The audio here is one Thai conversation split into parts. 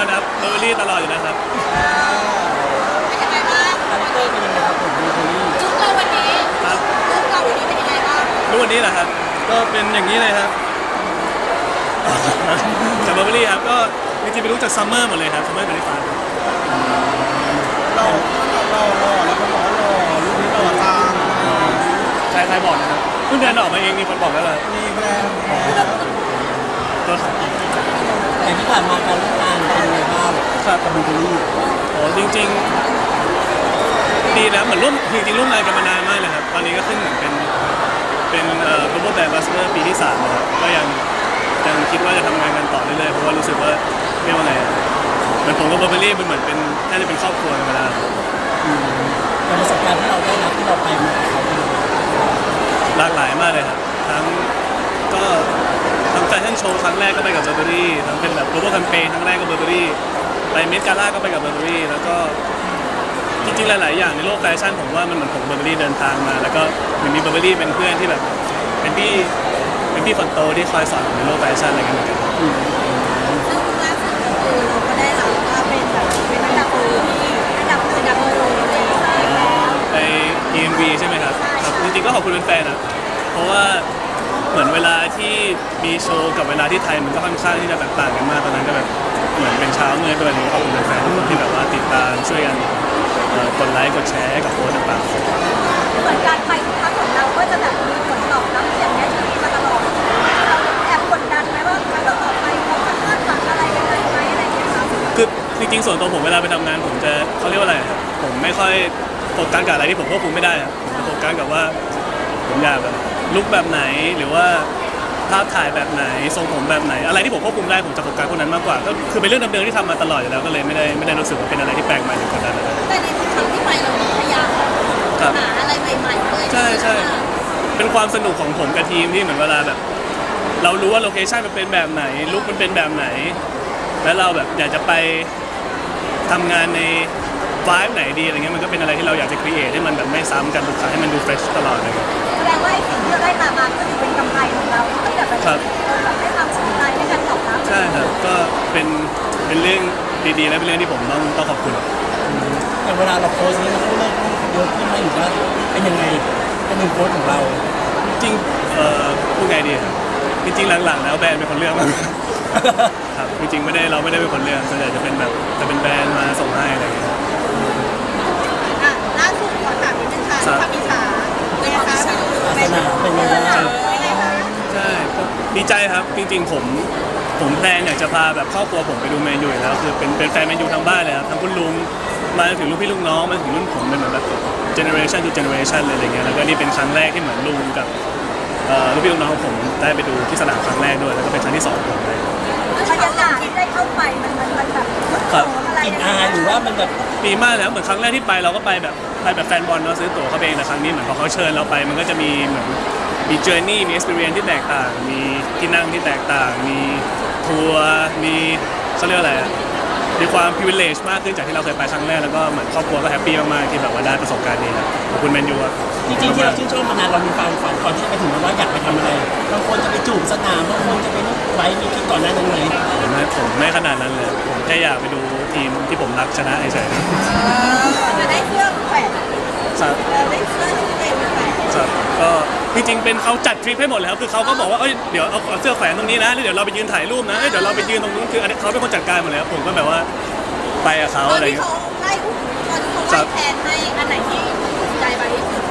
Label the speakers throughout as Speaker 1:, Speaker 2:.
Speaker 1: ครับเบอร์เบอรี่ตลอดอยู่แล้วครับ
Speaker 2: เป็นยังไงบ้าง
Speaker 3: คาแรคเตอร์เป็นยังไงครับผมดูคนนี้
Speaker 2: จุ๊บเราวันนี้
Speaker 1: ครับ
Speaker 2: จุ๊บเราวันนี้เป็นยังไงบ้าง
Speaker 1: รู้วันนี้เหรอครับก็เป็นอย่างนี้เลยครับจากเบอร์เบอรี่ครับก็จริงๆเป็นรู้จากซัมเมอร์หมดเลยครับซัมเมอร์เป็นฟัน
Speaker 3: เราแล้วก็บอกว่าเราลูกนี้เราตาม
Speaker 1: ใครบอกนะครับเพิ่งเดินออกมาเองมีคนบอกแล้วเลย
Speaker 3: มีแบรนด์
Speaker 1: ก็
Speaker 3: แต่ที่ผ่านมาการร่วมงานเป็นยังไงบ้าง
Speaker 1: ครับ
Speaker 3: กับบูเบอรี่
Speaker 1: โอ้จริงๆดีนะเหมือนร่วมจริงๆร่วมงานกันมานานมากเลยครับตอนนี้ก็ขึ้นเหมือนเป็นglobal brand ambassador ปีที่3นะครับก็ยังคิดว่าจะทำงานกันต่อเรื่อยๆเพราะว่ารู้สึกว่าเรียกว่าไงเหมือนผมกับเบอร์เบอรี่มันเหมือนเป็นน่าจะเป็นครอบครัวกันไปแล้ว
Speaker 3: แต่ประสบการณ์ที่เราได้รับที่เราไปมาเขาเป็น
Speaker 1: หลากหลายมากเลยครับก็ทั้งแฟชั่นโชว์ครั้งแรกก็ไปกับเบอร์เบอรี่ทั้งเป็นแบบ global campaign ครั้งแรกก็เบอร์เบอรี่ไปเมดกาล่าก็ไปกับเบอร์เบอรี่แล้วก็จริงๆหลายๆอย่างในโลกแฟชั่นผมว่ามันเหมือนผมเบอร์เบอรี่เดินทางมาแล้วก็มีเบอร์เบอรี่เป็นเพื่อนที่แบบเป็นพี่คนโตที่คอยสอนในโลกแฟชั่นอะไรกันเหมือนกัน
Speaker 2: ซึ่งล่าสุดก็คือเราก็ได้รับว่าเป็นแบบเป็นอันดับที่อันดับ1เลย
Speaker 1: ไป EMV ใช่ไหมครับครับจริงๆก็ขอบคุณแฟนๆนะเพราะว่าเหมือนเวลาที่มีโชว์กับเวลาที่ไทยมันก็ค่อนข้างที่จะแบบต่างกันมากตอนนั้นก็แบบเหมือนเป็นเช้าเมื่อตัวนี้ขอบคุณแฟนๆทุกคนที่แบบว่าติดตามช่วยกันกดไลค์กดแชร์กับโพสต์ต่างๆ
Speaker 2: เหมือนการไปทุกครั้งของเราก็จะแบบมีผลตอบรับอย่างนี้ที่มาตลอดเราแอบกดดันไหมว่าครั้งต่อไปเขาจะคาดหวังอะไรยังไงไหมอะไรอย่างเงี้ยครับ
Speaker 1: คือจริงๆส่วนตัวผมเวลาไปทำงานผมจะเขาเรียกว่าอะไรผมไม่ค่อยโฟกัสกับอะไรที่ผมควบคุมไม่ได้ผมจะโฟกัสกับว่าผมอยากแบบลุคแบบไหนหรือว่าภาพถ่ายแบบไหนทรงผมแบบไหนอะไรที่ผมควบคุมได้ผมจะโฟกัสพวกนั้นมากกว่าก็คือเป็นเรื่องเดิมๆที่ทำมาตลอดอยู่แล้วก็เลยไม่ได้รู้สึกว่าเป็นอะไรที่แปลกใหม่หรือกดดันอะไร
Speaker 2: แต่ในทุกครั้งที่ไปเราพยายามหาอะไรใหม่ๆเลย
Speaker 1: ใช่เป็นความสนุกของผมกับทีมที่เหมือนเวลาแบบเรารู้ว่าโลเคชั่นมันเป็นแบบไหนลุคมันเป็นแบบไหนแล้วเราแบบอยากจะไปทำงานในไวบ์ไหนดีอะไรเงี้ยมันก็เป็นอะไรที่เราอยากจะครีเอทให้มันแบบไม่ซ้ำกันทุกครั้งให้มันดูเฟรชตลอดเลย
Speaker 2: แสดงว่าสิ่งที่เราได้มาก็ถือเป็นกำไรของเราที่แบบแบบได้ความสนใจในการตอบรับ
Speaker 1: ใช่ครับก็เป็นเรื่องดีๆและเป็นเรื่องที่ผมต้องขอบคุณ
Speaker 3: แต่เวลาเราโพสต์นี้เราต้องเลิกเยอะขึ้นไหมหรือว่าเป็นยังไงเป็นหนึ่งโพสต์ของเรา
Speaker 1: จริงพูดไงดีครับจริงๆหลังๆแล้วแบรนด์เป็นคนเลือกมาครับจริงๆเราไม่ได้เป็นคนเลือกส่วนใหญ่จะเป็นแบรนด์มาส่งให้อะไรอย่างเงี้ย
Speaker 2: ล่าสุดขอถามนิดนึงค่ะทำมิชาเป็นไงคะ
Speaker 3: เป็นยังไงบ้าง
Speaker 1: ใช่ดีใจครับจริงๆผมแพลนอยากจะพาแบบครอบครัวผมไปดูแมนยูอยู่แล้วคือเป็นแฟนแมนยูทั้งบ้านเลยครับทั้งคุณลุงมาถึงลูกพี่ลูกน้องมาถึงรุ่นผมเป็นเหมือนแบบ generation to generation เลยอะไรเงี้ยแล้วก็นี่เป็นครั้งแรกที่เหมือนลุงกับลูกพี่ลูกน้องของผมได้ไปดูที่สนามครั้งแรกด้วยแล้วก็เป็นครั้งที่2ของผมเลย
Speaker 2: บรรยากาศที่ได้เข้าไปมันแบบ
Speaker 3: กลิ่นอายหรือว่ามันแบบ
Speaker 1: ดีมากแล้วเหมือนครั้งแรกที่ไปเราก็ไปแบบแฟนบอลเนาะซื้อตั๋วเขาเองแต่ครั้งนี้เหมือนพอเขาเชิญเราไปมันก็จะมีเหมือนมีเจอร์นี่มี experience ที่แตกต่างมีที่นั่งที่แตกต่างมีทัวร์มีเขาเรียกอะไรมีความ privilege มากขึ้นจากที่เราเคยไปครั้งแรกแล้วก็เหมือนครอบครัวก็แฮปปี้มากๆที่แบบว่าได้ประสบการณ์นี้ครับขอบคุณแมนยูครับ
Speaker 3: จริงๆที่เราชื่นชอบมานานเรามีความฝันก่อนที่จะไปถึงว่าอยากไปทำอะไรบางคนจะไปจูบสนามบางคนจะไปไว้มีคิดก่อนหน้านั้นไหม
Speaker 1: ผมไม่ขนาดนั้นเลยผมแค่อยากไปดูทีมที่ผมรักชนะเฉย
Speaker 2: ๆจะได้เครื่องแขวนได้เครื่องเต็มแขวน
Speaker 1: ก็จริงๆเป็นเขาจัดทริปให้หมดเลยครับคือเขาก็บอกว่าเดี๋ยวเอาเสื้อแขวนตรงนี้นะแล้วเดี๋ยวเราไปยืนถ่ายรูปนะเดี๋ยวเราไปยืนตรงนู้นคืออันนี้เขาเป็นคนจัดการหมดเลยครับผมก็แบบว่าไปกับเขาอะไรอย่างเงี้ย
Speaker 2: ตอนที่เขาไล่แทนให้อันไหนที่ถูกใจมากที่สุด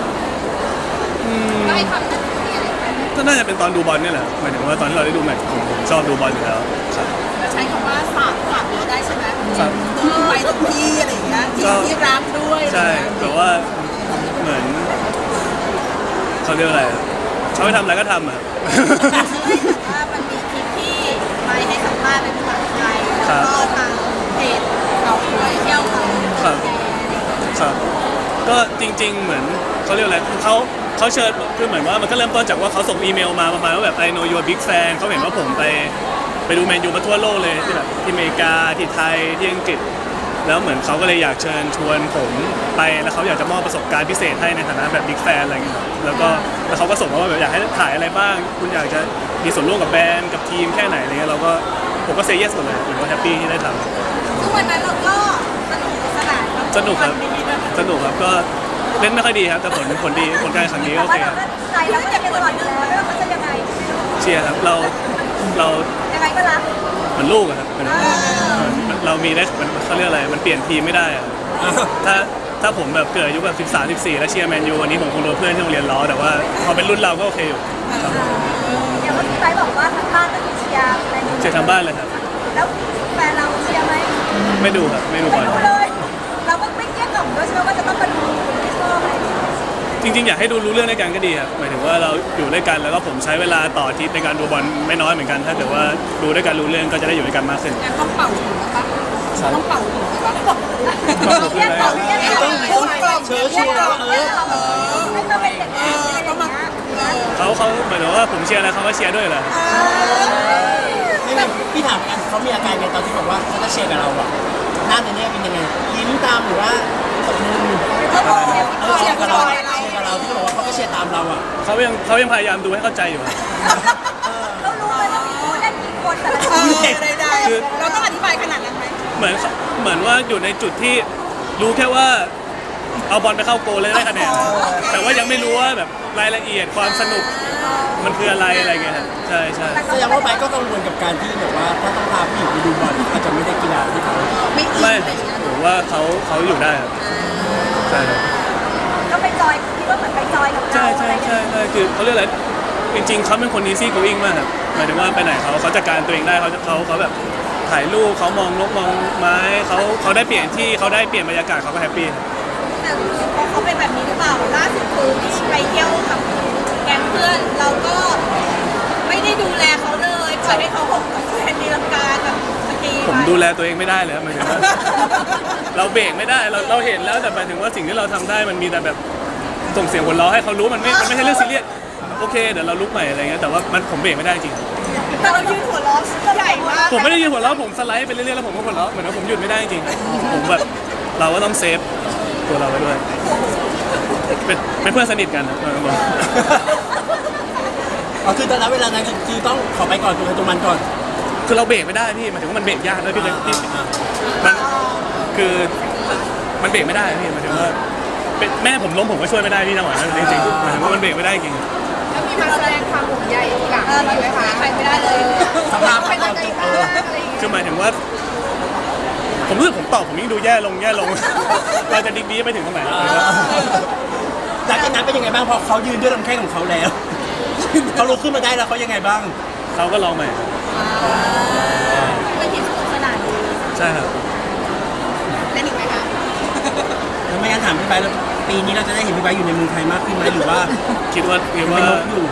Speaker 2: ไล่คำนั้น
Speaker 1: ก็น่าจะเป็นตอนดูบอลนี่แหละหมายถึงว่าตอนที่เราได้ดูแมตช์ผมชอบดูบอลอยู่แล้วครับ
Speaker 2: ใช้คำว่าฝากเราได้ใช่ไหมไปตรงที่อะไรอย่างเงี้ยที่รักด้วย
Speaker 1: ใช่แต่ว่าเหมือนเขาเรียกอะไรเขาไปทำอะไรก็ทำอ่ะ
Speaker 2: ว่ามันมีคลิปที่ไปให้สัมภาษณ์เป็นภาษาไทยแล้วก็ทางเพจเขาด้วยเที่ยว
Speaker 1: ครับก็จริงๆเหมือนเขาเรียกอะไรเขาเชิญคือเหมือนว่ามันก็เริ่มต้นจากว่าเขาส่งอีเมลมาประมาณว่าแบบ I know you're a big fan เขาเห็นว่าผมไปดูแมนยูมาทั่วโลกเลยที่แบบที่อเมริกาที่ไทยที่อังกฤษแล้วเหมือนเขาก็เลยอยากเชิญชวนผมไปแล้วเขาอยากจะมอบประสบการณ์พิเศษให้ในฐานะแบบบิ๊กแฟนอะไรเงี้ยแล้วเขาก็ส่งมาว่าแบบอยากให้ถ่ายอะไรบ้างคุณอยากจะมีส่วนร่วมกับแบรนด์กับทีมแค่ไหนอะไรเงี้ยเราก็ผมก็เซย์เยสหมดเลยผมก็แฮปปี้ที่ได้ท
Speaker 2: ซึ่งวันนั้นเราก็สนุกสนาน
Speaker 1: ำสนุกครับสนุกครับก็เล่นไม่ค่อยดีครับแต่ผลดีผลการแข่งขันนี้ก็
Speaker 2: แต่
Speaker 1: โอ
Speaker 2: ว่า
Speaker 1: เค
Speaker 2: เรา
Speaker 1: ครับ
Speaker 2: ก็ใจเราก็จะเป็นตลอดอยู่แล้วไม่ว่าเขาจะยังไง
Speaker 1: เชียร์ครับเรา
Speaker 2: ยังไงก็รัก
Speaker 1: เหมือนลูกอะครับเรามีได้เขาเรียกอะไรมันเปลี่ยนทีมไม่ได้อะถ้าผมแบบเกิดอายุแบบ13 14แล้วเชียร์แมนยูวันนี้ผมคงโดนเพื่อนที่โรงเรียนล้อแต่ว่าพอเป็นรุ่นเราก็โอเคอยู่ครับ
Speaker 2: อย่างเมื่อกี้ไปบอกว่าทางบ้านก็เชียร์แมนยู
Speaker 1: เชียร์ทางบ้านเลยครับ
Speaker 2: แล้วแฟนเราเชียร์ไหม
Speaker 1: ไม่ดูครับไม่ดูบ
Speaker 2: ไม่
Speaker 1: อล
Speaker 2: รู้เลย เราก็ไม่เกลี้ยกล่อมด้วยใช่ไหมว่าจะต้องมาดูที่ชอบอะไรอย่างเงี้ย
Speaker 1: จริงๆอยากให้ดูรู้เรื่องด้วยกันก็ดีครับหมายถึงว่าเราอยู่ด้วยกันแล้วก็ผมใช้เวลาต่ออาทิตย์ในการดูบอลไม่น้อยเหมือนกันถ้าเกิดว่าดูด้วยกันรู้เรื่องก็จะได้อยู่ด้วยกันมากขึ้น
Speaker 4: งั้นต้องเป่าหูนะคะต้องเป่าหูนะคะ
Speaker 2: เรียกเราเรียกเรา
Speaker 3: ต้องเชิญชวน
Speaker 2: ให้มาเป็นเด็กดีอะไรอย่างเงี้ย
Speaker 1: เขาหมายถึงว่าผมเชียร์แล้วเขาก็เชียร์ด้วยแหละ
Speaker 3: ไม่พี่ถามกันเขามีอาการไงตอนที่บอกว่าเขาจะเชียร์กับเราอะหน้าในนี้เป็นยังไงยิ้มตามหรือว่าตบมือเชียร์กับเราที่บอกว่าเขาก็เชียร์ตามเราอะ
Speaker 1: เขายังพยายามดูให้เข้าใจอยู่ครับ
Speaker 2: เรารู้เลยว่ามีผู้เล่นกี่คนแต่ละคน
Speaker 4: ได้เราต้องอธิบายขนาดนั้นไหม
Speaker 1: เหมือนว่าอยู่ในจุดที่รู้แค่ว่าเอาบอลไปเข้าโกลเลยได้คะแนนแต่ว่ายังไม่รู้ว่าแบบรายละเอียดความสนุกมันคืออะไรเงี้ยครับใช่ใช่
Speaker 3: แสดงว่าไบก็กังวลกับการที่แบบว่าถ้าต้องพาผู้หญิงไปดูบอลอาจจะไม่ได้กีฬาที่เขา
Speaker 1: ไม่ผมว่าเขาอยู่ได้ครับใช่ครับ
Speaker 2: ก็ไปจอยคิดว่าเหมือนไปจอยกับเรา
Speaker 1: ใช่
Speaker 2: อะไรอย่างเงี้ย
Speaker 1: คือเขาเรียกอะไรจริงๆเขาเป็นคน easy going มากครับหมายถึงว่าไปไหนเขาจัดการตัวเองได้เขาแบบถ่ายรูปเขามองนกมองไม้เขาได้เปลี่ยนที่เขาได้เปลี่ยนบรรยากาศเขาก็แฮปปี้ครับ
Speaker 4: แต่พอเขาเป็นแบบนี้หรือเปล่าล่าสุดคือที่ไปเที่ยวกับแก๊งเพื่อนเราก็ไม่ได้ดูแลเขาเลยปล่อยให้เขาหกกับแฟนตีลังกากับสกี
Speaker 1: ผม
Speaker 4: ไป
Speaker 1: ดูแลตัวเองไม่ได้เลยครับหมายถึงว่า เราเบรกไม่ได้เราเห็นแล้วแต่หมายถึงว่าสิ่งที่เราทำได้มันมีแต่แบบส่งเสียงหัวเราะให้เขารู้มันไม่ใช่เรื่องซีเรียสโอเคเดี๋ยวเราลุกใหม่อะไรเงี้ยแต่ว่าผมเบรกไม่ได้จริง
Speaker 4: แต่เรายืนหัวล้อใหญ่มาก
Speaker 1: ผมไม่ได้ยืนหัวเราะผมสไลด์ไปเรื่อยๆแล้วผมก็หัวเราะเหมือนว่าผมหยุดไม่ได้จริงผมแบบเราก็ต้องเซฟตัวเราไว้ด้วยเป็นเพื่อนสนิทกันนะบอก
Speaker 3: อ๋อคือตอนนั้นเวลานั้นคือต้องขอไปก่อนตัวมันก่อน
Speaker 1: คือเราเบรกไม่ได้พี่หมายถึงว่ามันเบรกยากด้วยพี่เลยพี่มันคือมันเบรกไม่ได้พี่หมายถึงว่าแม่ผมล้มผมก็ช่วยไม่ได้พี่จังหวะนั้นจริงๆหมายถึงว่ามันเบรกไม่ได้จริง
Speaker 4: แล้วมีมาแสดงความห่วงใยหลังเราไหมคะใครไม่ได้เลย
Speaker 3: สภาพ
Speaker 4: เป็น
Speaker 3: ต
Speaker 4: ยั
Speaker 3: อน
Speaker 4: งไง
Speaker 3: จบ
Speaker 4: บ้างอะไรอย่างเงี้ย
Speaker 1: คือหมายถึงว่า ผมรู้สึกผมตอบผมยิ่งดูแย่ลง เราจะดีไปถึงตรงไหน
Speaker 3: หลังจากนั้นเป็นยังไงบ้างพอเขายืนด้วยลำแข้งของเขาแล้ว เขาลุกขึ้นมาได้แล้วเขายังไงบ้าง
Speaker 1: เขาก็ลองใหม่
Speaker 4: เป็นทีมสนุกสนานดี
Speaker 1: ใช่ครับ
Speaker 4: เล่นอีกไหมคะ
Speaker 3: แล้วไม่งั้นถามพี่ไบร์ทแล้วปีนี้เราจะได้เห็นพี่ไบร์ทอยู่ในเมืองไทยมากขึ้นไหมหรือว่า
Speaker 1: คิดว่า
Speaker 3: เป็นนกอยู่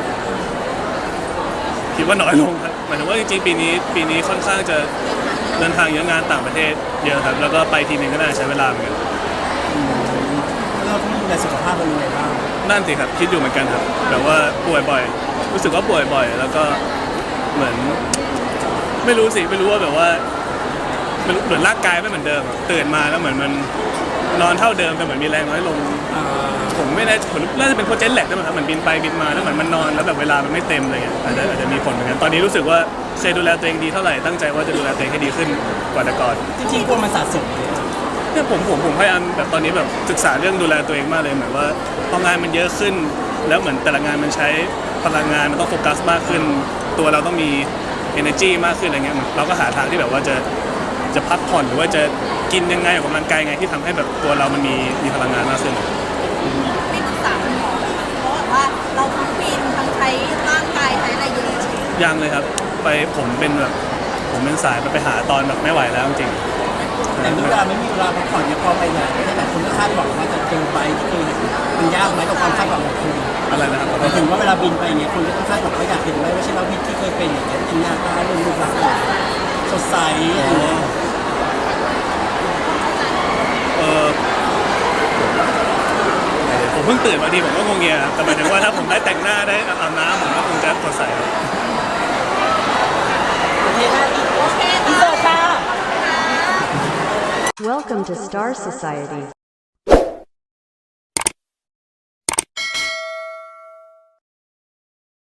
Speaker 1: น้อยลงครับหมายถึงว่าจริงๆปีนี้ค่อนข้างจะเดินทางเยอะงานต่างประเทศเยอะครับแล้วก็ไปทีนึงก็น่าจะใช้เวลาเหมือนกัน
Speaker 3: แล้วเราต้องดูแลสุขภาพเรายังไงบ้าง
Speaker 1: นั่นสิครับคิดอยู่เหมือนกันครับแบบว่าป่วยบ่อยรู้สึกว่าป่วยบ่อยแล้วก็เหมือนไม่รู้ว่าแบบว่ามันเหมือนร่างกายไม่เหมือนเดิมอะตื่นมาแล้วเหมือนมันนอนเท่าเดิมแต่เหมือนมีแรงน้อยลง ผมไม่ได้ผมน่าจะเป็นโปรเจกต์แหลกด้วยมั้งครับเหมือนบินไปบินมาแล้วเหมือนมันนอนแล้วแบบเวลามันไม่เต็มอะไรเงี้ยอาจจะมีผลเหมือนกันตอนนี้รู้สึกว่าเคยดูแลตัวเองดีเท่าไหร่ตั้งใจว่าจะดูแลตัวเองให้ดีขึ้นกว่าแต่ก่อน
Speaker 3: จริงๆกลัวมันสะสม
Speaker 1: เนี่ยผมพยายามแบบตอนนี้แบบศึกษาเรื่องดูแลตัวเองมากเลยเหมือนว่าพองานมันเยอะขึ้น แล้วเหมือนแต่ละงานมันใช้พลังงานมันต้องโฟกัสมากขึ้น ตัวเราต้องมี energy มากขึ้นอะไรเงี้ยเราก็หาทางที่แบบว่าจะพักผ่อนหรือว่าจะกินยังไงออกกำลังกายไงที่ทำให้แบบตัวเรามันมีพลังงานมากขึ้น
Speaker 4: ไม่ปรึกษาคุณหมอไหมคะเพราะว่าเราทั้งปีนทั้งใช้ร่างกายใช้อะไรเยอะ
Speaker 1: ยังเลยครับผมเป็นสายไปหาตอนแบบไม่ไหวแล้วจริง
Speaker 3: แต่เวลาไม่มีเวลาพักผ่อนเนี่ยพอไปไหนแต่คนก็คาดหวังว่าจะเจอไปที่คือมันยากไหมกับความคาดหวังของคุณ
Speaker 1: อะไรนะครับ
Speaker 3: หมายถึงว่าเวลาบินไปเนี่ยคนก็ต้องคาดหวังว่าอยากเห็นไหมว่าใช่เราพิษที่เคยเป็นอย่างเงี้ยเป็นหน้าตาเรื่องรูปลักษณ์สดใสอะไรเงี้ย
Speaker 1: ผมเพิ่งตื่นมาดีผมก็งงเงียครับแต่หมายถึงว่าถ้าผมได้แต่งหน้าได้อาบน้ำผมก็คงจะสดใสครับ
Speaker 3: โอเคค่ะ
Speaker 4: โอเคค่ะ
Speaker 3: เสิร์ฟค่ะ
Speaker 5: Welcome to Star Society.